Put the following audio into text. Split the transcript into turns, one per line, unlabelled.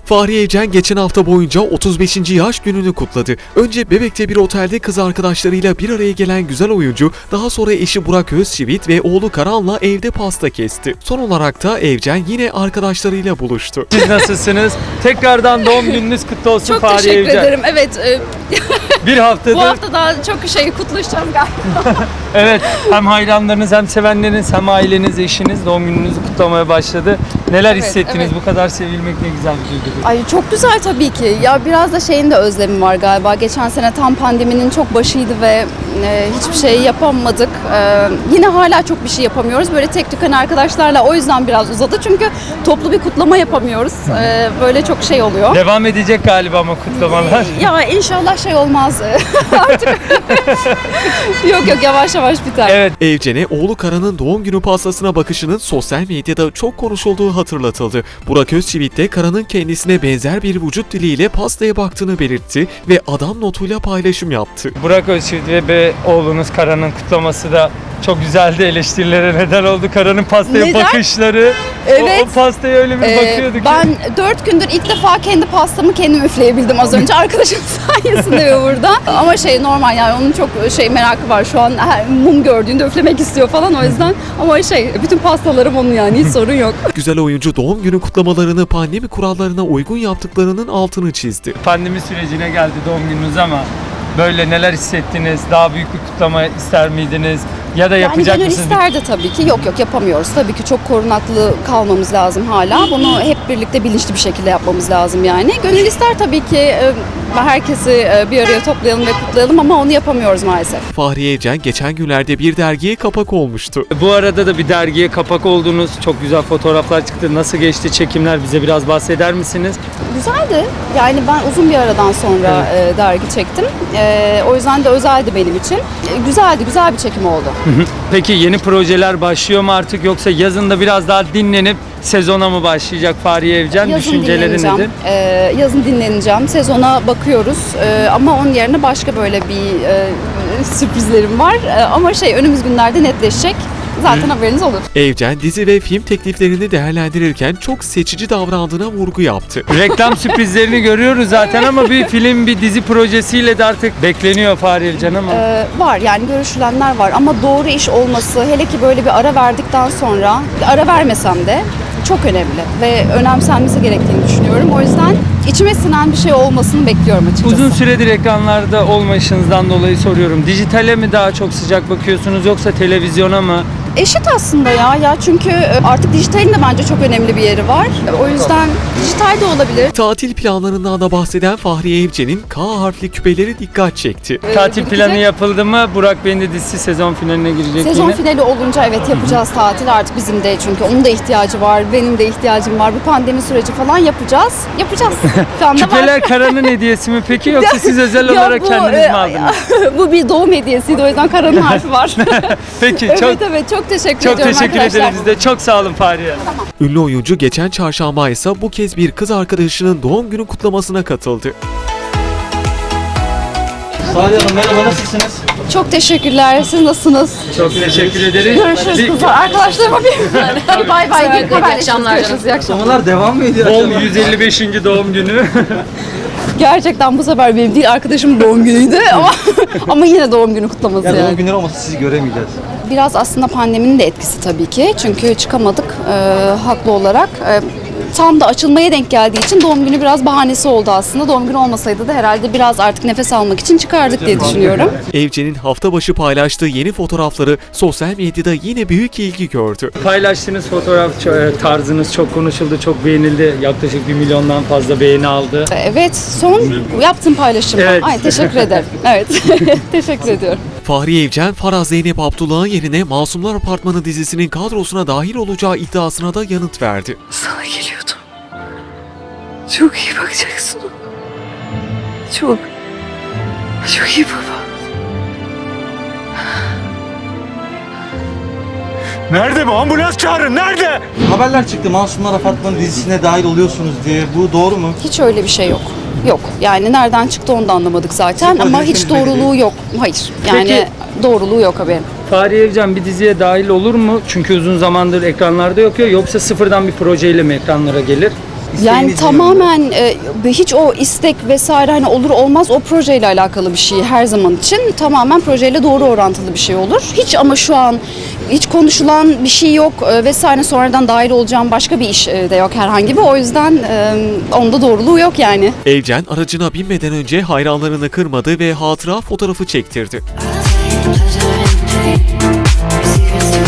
Fahriye Evcen geçen hafta boyunca 35. yaş gününü kutladı. Önce Bebek'te bir otelde kız arkadaşlarıyla bir araya gelen güzel oyuncu, daha sonra eşi Burak Özçivit ve oğlu Karan'la evde pasta kesti. Son olarak da Evcen yine arkadaşlarıyla buluştu.
Siz nasılsınız? Tekrardan doğum gününüz kutlu olsun
Çok
Fahriye
teşekkür
Evcen.
ederim. Evet,
Bir haftadır.
bu hafta daha çok kutlaşacağız galiba.
Evet, hem hayranlarınız hem sevenleriniz hem aileniz, eşiniz doğum gününüzü kutlamaya başladı. Neler
Evet,
hissettiniz?
evet.
Bu kadar sevilmek ne güzel bir duygu.
Ay çok güzel tabii ki. Ya biraz da şeyin de özlemi var galiba. Geçen sene tam pandeminin çok başıydı ve hiçbir şey yapamadık. Yine hala çok bir şey yapamıyoruz. Böyle tek tük hani arkadaşlarla o yüzden biraz uzadı. Çünkü toplu bir kutlama yapamıyoruz. Böyle çok şey oluyor.
Devam edecek galiba ama kutlamalar.
Ya inşallah şey olmaz artık. Yok yavaş yavaş biter.
Evet.
Evcen'e oğlu Karan'ın doğum günü pastasına bakışının sosyal medyada çok konuşulduğu hatırlatıldı. Burak Özçivit de Karan'ın kendisine benzer bir vücut diliyle pastaya baktığını belirtti ve adam notuyla paylaşım yaptı.
Burak Özçivit ve oğlunuz Karan'ın kutlaması da çok güzeldi, eleştirilere neden oldu. Karan'ın pastaya
Neden?
bakışları.
Evet.
O pastaya öyle bir bakıyordu ki.
Ben 4 gündür ilk defa kendi pastamı kendim üfleyebildim az önce. Arkadaşım sayesinde ve burada. Ama şey normal yani onun çok merakı var. Şu an her mum gördüğünde üflemek istiyor falan o yüzden. Ama bütün pastalarım onun yani hiç sorun yok.
Güzel oyuncu doğum günü kutlamalarını pandemi kurallarına uygun yaptıklarının altını çizdi.
Pandemi sürecine geldi doğum gününüz ama böyle neler hissettiniz? Daha büyük bir kutlama ister miydiniz? Ya da yapacak
Yani gönül
mısınız?
isterdi tabii ki. Yok yapamıyoruz. Tabii ki çok korunaklı kalmamız lazım hala. Bunu hep birlikte bilinçli bir şekilde yapmamız lazım yani. Gönül ister tabii ki herkesi bir araya toplayalım ve kutlayalım ama onu yapamıyoruz maalesef.
Fahriye Evcen geçen günlerde bir dergiye kapak olmuştu.
Bu arada da bir dergiye kapak oldunuz. Çok güzel fotoğraflar çıktı. Nasıl geçti çekimler? Bize biraz bahseder misiniz?
Güzeldi. Yani ben uzun bir aradan sonra dergi çektim. O yüzden de özeldi benim için. Güzeldi, güzel bir çekim oldu.
Peki yeni projeler başlıyor mu artık yoksa yazında biraz daha dinlenip sezona mı başlayacak Fahriye Evcen?
Yazın
Düşünceleri
dinleneceğim.
nedir?
Yazın dinleneceğim. Sezona bakıyoruz. Ama onun yerine başka böyle bir sürprizlerim var. Ama önümüz günlerde netleşecek. Zaten haberiniz olur.
Evcen dizi ve film tekliflerini değerlendirirken çok seçici davrandığına vurgu yaptı.
Reklam sürprizlerini görüyoruz zaten ama bir film, bir dizi projesiyle de artık bekleniyor Fahriye Evcen ama.
Var yani görüşülenler var ama doğru iş olması hele ki böyle bir ara verdikten sonra ara vermesem de çok önemli ve önemsenmesi gerektiğini düşünüyorum. O yüzden içime sinen bir şey olmasını bekliyorum açıkçası.
Uzun süredir ekranlarda olmayışınızdan dolayı soruyorum. Dijitale mi daha çok sıcak bakıyorsunuz yoksa televizyona mı?
Eşit aslında ya çünkü artık dijitalin de bence çok önemli bir yeri var. O yüzden dijital de olabilir.
Tatil planlarından da bahseden Fahriye Evcen'in K harfli küpeleri dikkat çekti.
Tatil
Gidecek.
planı yapıldı mı? Burak Bey'in de dizisi sezon finaline girecek
Sezon
yine.
finali olunca evet yapacağız tatil artık bizim de çünkü onun da ihtiyacı var, benim de ihtiyacım var. Bu pandemi süreci falan yapacağız. Şu anda var.
Küpeler Karan'ın hediyesi mi peki yoksa siz özel olarak
bu,
kendiniz mi aldınız?
Bu bir doğum hediyesiydi o yüzden Karan'ın harfi var.
Peki
evet çok teşekkür
çok
ediyorum
teşekkür
arkadaşlar.
ederiz biz de. Çok sağ olun Fahriye.
Ünlü oyuncu geçen çarşamba ise bu kez bir kız arkadaşının doğum günü kutlamasına katıldı.
Fahriye Hanım merhaba, nasılsınız?
Çok teşekkürler. Siz nasılsınız?
Çok teşekkür ederiz.
Görüşürüz kızlar. Arkadaşlarıma bir bay bay. İyi akşamlar. İyi akşamlar.
Kutlamalar devam mı ediyor?
Bol 155. doğum günü.
Gerçekten bu sefer benim değil arkadaşımın doğum günüydü ama yine doğum günü kutlaması
Yani
yani.
doğum günleri olmasa sizi göremeyeceğiz.
Biraz aslında pandeminin de etkisi tabii ki. Çünkü çıkamadık haklı olarak. Tam da açılmaya denk geldiği için doğum günü biraz bahanesi oldu aslında. Doğum günü olmasaydı da herhalde biraz artık nefes almak için çıkardık diye düşünüyorum.
Evcen'in hafta başı paylaştığı yeni fotoğrafları sosyal medyada yine büyük ilgi gördü.
Paylaştığınız fotoğraf tarzınız çok konuşuldu, çok beğenildi. Yaklaşık 1 milyondan fazla beğeni aldı.
Evet, son yaptığım paylaşımdan.
Evet.
Ay teşekkür ederim. Evet, teşekkür ediyorum.
Fahriye Evcen, Faraz Zeynep Abdullah'ın yerine Masumlar Apartmanı dizisinin kadrosuna dahil olacağı iddiasına da yanıt verdi.
Sana geliyordum. Çok iyi bakacaksın ona. Çok. Çok iyi baba.
Nerede bu? Ambulans çağırın. Nerede?
Haberler çıktı, Masumlar Apartmanı dizisine dahil oluyorsunuz diye. Bu doğru mu?
Hiç öyle bir şey yok. Yok. Yani nereden çıktı onu da anlamadık zaten
Sizin
ama
projesiniz
hiç
belli
doğruluğu
değil.
yok. Hayır. Yani
Peki.
doğruluğu yok haberin.
Fahriye Evcen bir diziye dahil olur mu? Çünkü uzun zamandır ekranlarda yok ya. Yoksa sıfırdan bir projeyle mi ekranlara gelir?
Yani
İsteğiniz
tamamen hiç o istek vesaire hani olur olmaz o projeyle alakalı bir şey her zaman için. Tamamen projeyle doğru orantılı bir şey olur. Hiç ama şu an hiç konuşulan bir şey yok vesaire, sonradan dahil olacağım başka bir iş de yok herhangi bir. O yüzden onda doğruluğu yok yani.
Evcen aracına binmeden önce hayranlarını kırmadı ve hatıra fotoğrafı çektirdi.
Secrets to